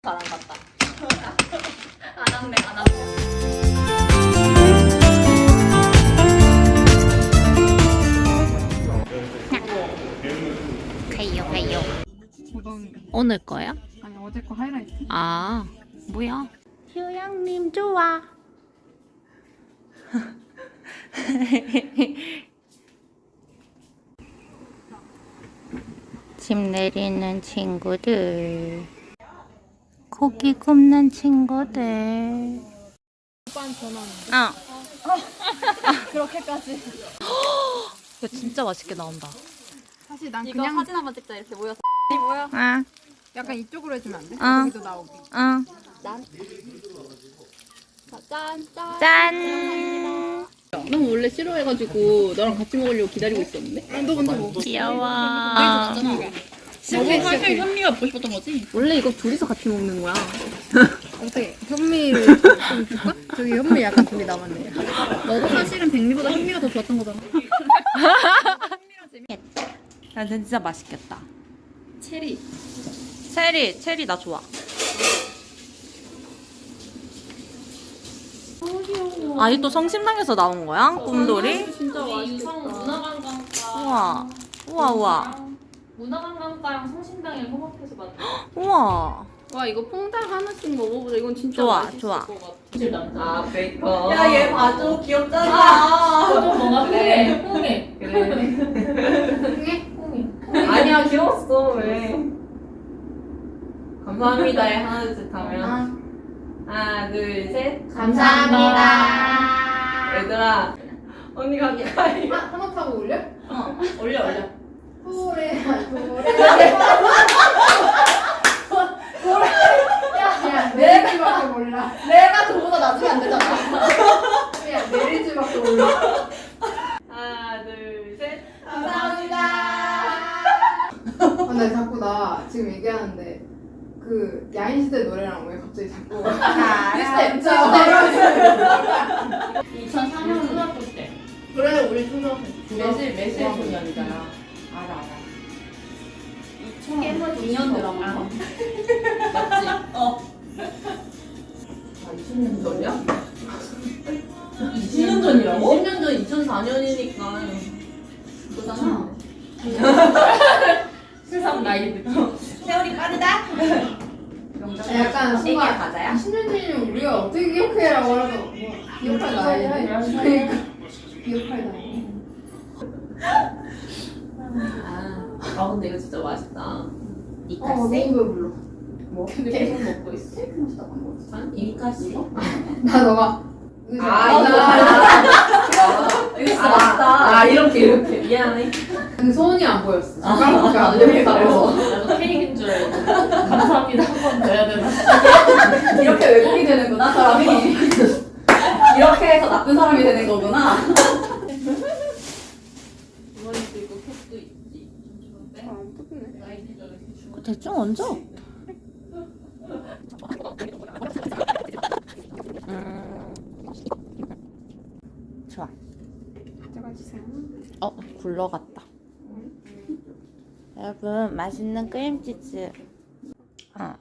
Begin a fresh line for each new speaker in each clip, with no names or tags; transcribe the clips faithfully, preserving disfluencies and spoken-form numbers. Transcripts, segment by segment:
바람 같다. 안 왔네, 안 왔네. 가요, 가요. 오늘 거야?
아니 어제 거 하이라이트.
아, 뭐야? 휴양님 좋아. 짐 내리는 친구들, 고기 굽는 친구들.
오빠는 전화하는데.
아,
그렇게까지.
야 진짜 맛있게 나온다.
사실 난
이거
그냥
사진 한번 찍자 이렇게 모여서.
아,
약간 이쪽으로 해주면 안 돼?
아.
여기도 나오게.
응.
짠. 짠, 짠.
짠.
넌 원래 싫어해가지고 너랑 같이 먹으려고 기다리고 있었는데?
아, 너 먼저 먹어.
귀여워.
너무 갑자기 현미가 먹고 싶었던 거지? 원래 이거 둘이서 같이 먹는 거야.
어떻게 현미를 좀 줄까? 저기 현미 약간 둘이 남았네.
너도 사실은 백미보다 현미가 더 좋았던 거잖아.
야 진짜 맛있겠다.
체리.
체리, 체리 나 좋아. 아, 이 또 성심당에서 나온 거야? 꿈돌이?
진짜 맛있겠다. 문화관광과.
우와, 우와, 우와,
문화관광과랑 성심당이랑 통합해서 만든.
우와.
와 이거 퐁당 하나씩 먹어보자. 이건 진짜
좋아,
맛있을
좋아.
것 같아. 아 베이컨.
야, 얘 봐줘. 귀엽잖아.
좀 뭔가 그래. 퐁해.
아니야, 귀여웠어. 왜? 감사합니다에 하나, 둘, 셋 하면. 하나, 둘, 셋.
감사합니다.
얘들아, 언니 가까이.
하나 타고 올려?
어, 올려, 올려.
소래 소래. 야, 내리지밖에 몰라.
내가 저보다 나중에 안 되잖아.
야, 내리지밖에 몰라.
하나, 둘, 셋.
감사합니다. 아, 나 자꾸 나 지금 얘기하는데 그 야인시대 노래랑 왜 갑자기 자꾸
스텝,
이천사 년 초등학교 때.
그래 우리 초등학생
매실, 매실 소년이잖아. 알아, 알아.
이천 년 드라마.
맞지? 어. 아, 이십 년 전이야? 이십 년 전이라고? 이십 년 전 이천사 년이니까.
그거잖아.
세상 나이 느낌. 세월이 빠르다?
약간
애기
순간
가자야?
이십 년 전이면 우리가 어떻게 기억해라고 하면 뭐 기억할 나이네. 그러니까 기억할 나이.
아, 아 근데 이거 진짜 맛있다.
어,
이카시?
너무 배불러.
뭐?
근데 계속 먹고 있어.
한 이카시?
나 너가 의자.
아, 이거
아,
이거 진짜 맛있다. 아, 이렇게 이렇게 미안해.
그 손이 안 보였어.
아,
젓가락밖에 안
나도 이렇게
보여서.
가려워.
나도 케이크인 줄 알고. 감사합니다 한 번 더 해야 되나?
이렇게 외국이 되는구나 사람이. 이렇게 해서 나쁜 사람이 되는 거구나.
이번에도 있고 캡도 있지.
아, 안 뜯네.
나이 대전에 대충.
대충 얹어. 좋아.
가져가주세요.
어, 굴러갔다. 여러분, 맛있는 크림치즈. 어.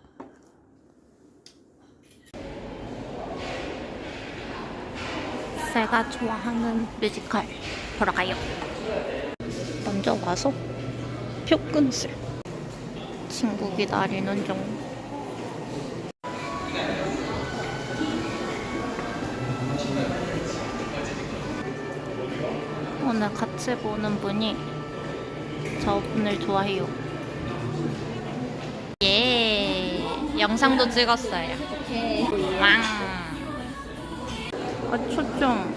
제가 좋아하는 뮤지컬 보러 가요. 먼저 와서 표근슬. 친구 기다리는 중. 오늘 같이 보는 분이 저분을 좋아해요. 예, 영상도 찍었어요.
오케이.
왕. 아, 초점.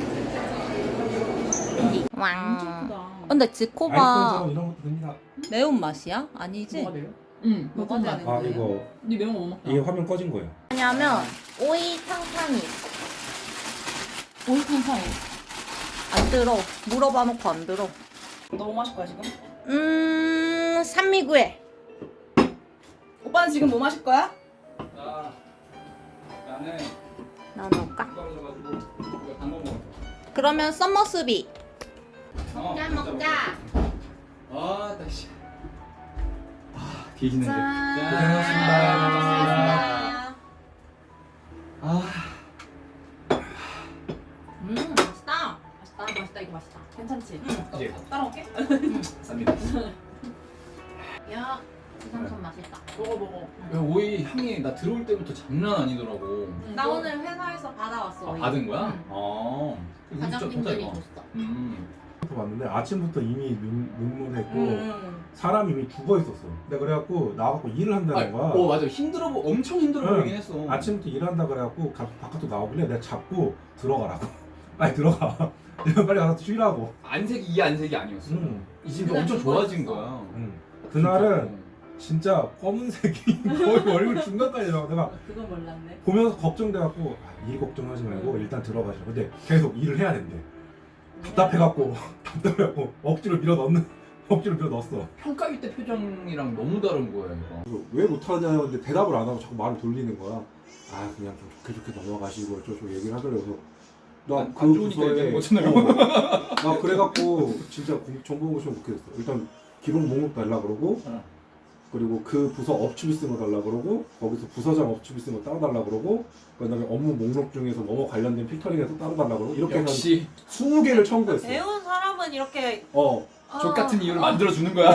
왕. 근데 지코바
아이폰처럼 이런 것도 됩니다.
매운 맛이야? 아니지?
뭐가 돼요? 응. 뭐가
뭐가
되는
아
거예요?
이거
니 매운 거못 먹다.
이게 화면 꺼진 거예요.
왜냐면 오이 탕탕이 있어.
오이 탕탕이.
안 들어. 물어봐 놓고 안 들어.
너무 마실 거야 지금?
음, 산미구에.
오빠는 지금 뭐 마실 거야?
나 나는
나 넣을까?
떨어져가지고 이거 단거 먹어.
그러면 썸머스비.
먹자
먹자.
아, 나 씨. 아, 뒤지는데.
짠.
고생하셨습니다. 이제
따라올게.
쌉니다.
야, 부산천 맛있다.
먹어 먹어.
야, 오이 향이 나 들어올 때부터 장난 아니더라고.
나 오늘 회사에서 받아왔어.
아,
오이.
받은 거야?
응.
아. 이거 진짜 좋다,
과장님들이
이거.
줬어.
음.
봤는데 아침부터 이미 눈, 눈물했고
음.
사람이 이미 죽어 있었어. 근데 그래갖고 나와갖고 일을
아,
한다는 거야.
어 맞아 힘들어 보 엄청 힘들어
응.
보이긴 했어.
아침부터 일한다 그래갖고 가, 바깥으로 나오길래 내가 잡고 들어가라고. 빨리 들어가. 내가 빨리 가서 쉬라고.
안색이 이 안색이 아니었어.
응.
이 집이 엄청 좋아진 거야.
응. 그날은 진짜 검은색이 거의 얼굴 중간까지 나와. 내가
그건 몰랐네.
보면서 걱정돼갖고 아, 일 걱정하지 말고 일단 들어가시라. 근데 계속 일을 해야 된대. 답답해갖고 답답해갖고 억지로 밀어 넣는 억지로 밀어 넣었어.
평가일 때 표정이랑 너무 다른 거야 이거.
그래서 왜 못하냐는데 대답을 안 하고 자꾸 말을 돌리는 거야. 아 그냥 좀 좋게 좋게 넘어가시고 저저 얘기를 하더라고요.
안-
나그
안 좋으니까 얘기하는 거잖아요.
나 그래갖고 진짜 공- 정보공시원 못 했어. 일단 기록 목록 달라 그러고
어.
그리고 그 부서 업추비 쓴 거 달라 그러고 거기서 부서장 업추비 쓴 거 따로 달라 그러고 그다음에 업무 목록 중에서 뭐뭐 관련된 필터링해서 따로 달라 그러고 이렇게 해서
역시
스무 개를 청구했어.
배운 사람은 이렇게
어.
족 같은 이유를 만들어 주는 거야.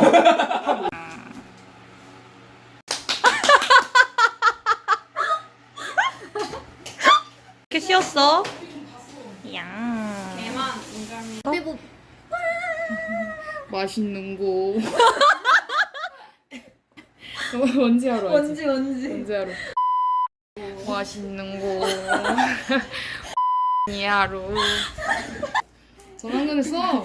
이렇게 쉬었어? 양.
빼고
맛있는 거. 원지 하러 하지.
원지 원지.
원지 하러. 맛있는 거. 이 하루. 전화근했어.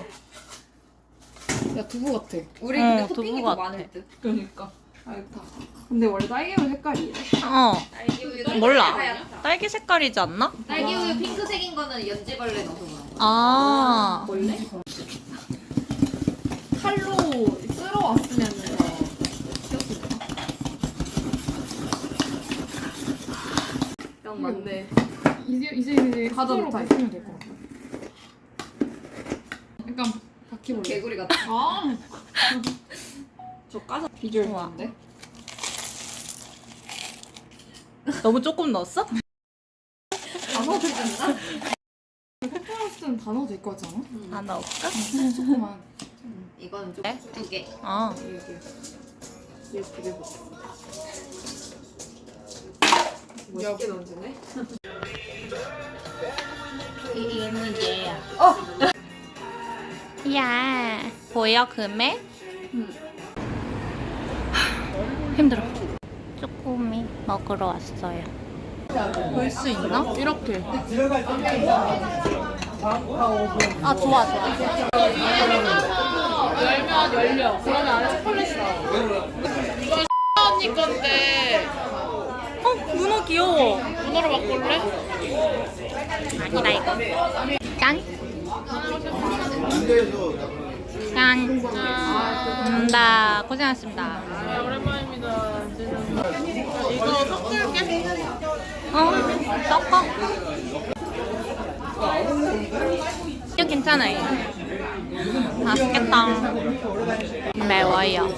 야 두부 같아.
우리
어,
근데
두부
토핑이
같아.
더 많을 듯.
그러니까. 알다. 근데 원래 딸기우유 색깔이야.
어.
딸기우유가
몰라.
하얗다.
딸기 색깔이지 않나?
딸기우유 핑크색인 거는 연지벌레 넣어서 그런 거.
아.
원래?
칼로 쓸어 왔으면
형 맞네.
이제 이제 이제
가자,
스스로
못하게.
바꾸면 될 것 같아. 약간 바퀴벌레.
개구리 같아.
아.
저 까서
비주얼
우와.
좋은데?
너무 조금 넣었어?
다 넣어줬나?
페퍼런스는 다 넣어도 될 것 같지 않아?
아 넣을까?
조금만.
이거는 좀
네?
두 개.
어.
이렇게. 이렇게 되고.
멋있게 넣어주네.
이거는 얘야. 어. 야. 보여 금액? 힘들어. 쪼꼬미 먹으러 왔어요. 볼 수 있나?
이렇게.
아 좋아 좋아.
열면 열려. 그러면 안에 초콜릿이 나와. 이건 언니 건데
어 문어 귀여워.
문어로 바꿀래?
아니다 이거. 짠. 짠. 감사합니다. 고생하셨습니다.
오랜만입니다. 이거 섞을게.
어? 섞어? 이거 괜찮아요. 맛있겠다. 매워요.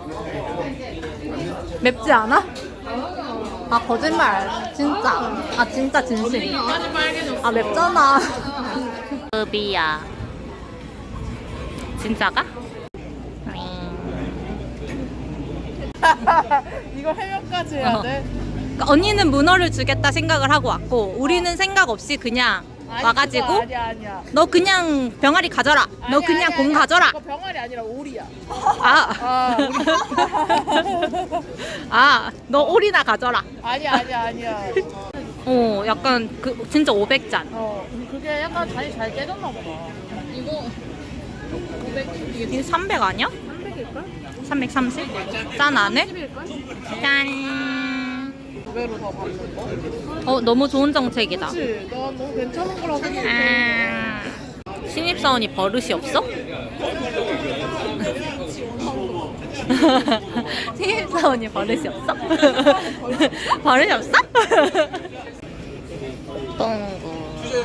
맵지 않아? 아 거짓말. 진짜. 아 진짜 진심.
아주 빨개졌어.
아 맵잖아. 급이야. 진짜가?
이거 해명까지 해야 돼?
그러니까 언니는 문어를 주겠다 생각을 하고 왔고 우리는 생각 없이 그냥 와가지고
아니야 아니야.
너 그냥 병아리 가져라. 너
아니야,
그냥
아니야,
공
아니야.
가져라.
이거 병아리 아니라 오리야.
아,
아,
아, 너 오리나 가져라.
아니야 아니야 아니야.
어, 약간 그 진짜 오백 잔.
어, 그게 약간 잔이 잘 깨졌나 보다. 이거 오백 이게
이게 삼백 아니야?
삼백일걸?
삼백삼십? 짠 안에?
십일걸?
짠.
두 배로 더 받는 거?
어, 너무 좋은 정책이다.
그치? 난 너무 괜찮은 거라고 생각해.
아, 신입사원이 버릇이 없어? 신입사원이 버릇이 없어? 버릇이 없어? 똥구.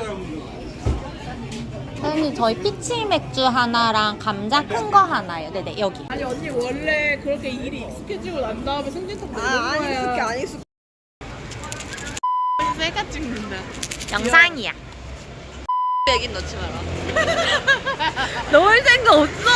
사장님 저희 피치 맥주 하나랑 감자 큰 거 하나요. 네네 여기.
아니 언니 원래 그렇게 일이 익숙해지고 난 다음에 승진턱 되는 거야. 아니 익숙해 안 익숙해. 셀카 찍는다.
영상이야. 얘긴 넣지 마라. 넣을 생각 없어.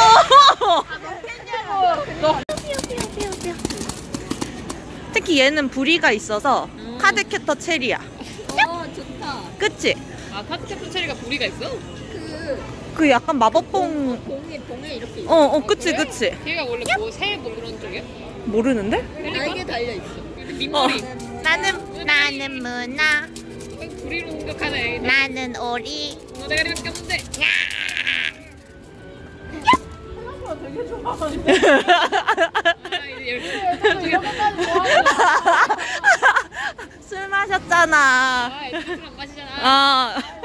특히 얘는 부리가 있어서 카드 캡터 체리야.
어 좋다.
그치?
아 카드 캡터 체리가 부리가 있어?
그
그 약간 마법봉.
봉에 봉에 이렇게 있어.
어, 어, 그치, 그치.
걔가 원래 뭐새뭐 그런 쪽이야?
모르는데?
날개 달려 있어.
민머리.
나는 나는 문화,
부리로 공격하네.
나는 오리.
너 대가리밖에 없는데. 아 이제 열심히
술 마셨잖아.
아 애들 술안 마시잖아.
아.